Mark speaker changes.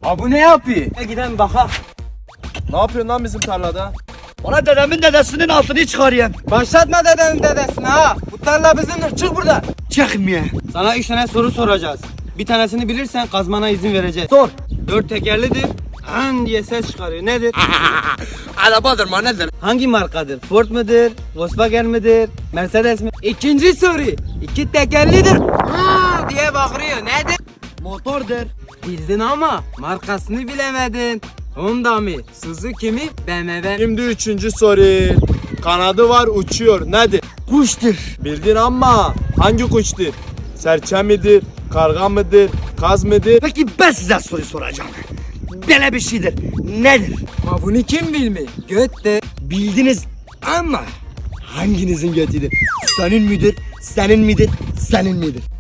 Speaker 1: Ha bu ne yapıyor? Gidelim bakalım.
Speaker 2: Ne yapıyorsun lan bizim tarlada?
Speaker 1: Ona dedemin dedesinin altını çıkarayım. Başlatma dedemin dedesini ha. Bu tarla bizimdir. Çık buradan. Çıkmıyor.
Speaker 3: Sana 3 tane soru soracağız. Bir tanesini bilirsen kazmana izin vereceğiz.
Speaker 1: Sor.
Speaker 3: 4 tekerlidir. An diye ses çıkarıyor. Nedir?
Speaker 1: Arabadır mı nedir?
Speaker 3: Hangi markadır? Ford mudur? Volkswagen midir? Mercedes mi?
Speaker 1: İkinci soru. 2 tekerlidir. Diye bağırıyor. Nedir?
Speaker 3: Motordur.
Speaker 1: Bildin ama markasını bilemedin. Honda mı? Suzuki mi? BMW.
Speaker 2: Şimdi üçüncü soru. Kanadı var uçuyor. Nedir?
Speaker 1: Kuştur.
Speaker 2: Bildin ama hangi kuştur? Serçe midir? Karga mıdır? Kaz mıdır?
Speaker 1: Peki ben size soru soracağım. Böyle bir şeydir. Nedir?
Speaker 3: Ma bunu kim bilmiyor? Götte.
Speaker 1: Bildiniz ama hanginizin götüdür? Senin midir? Senin midir? Senin midir?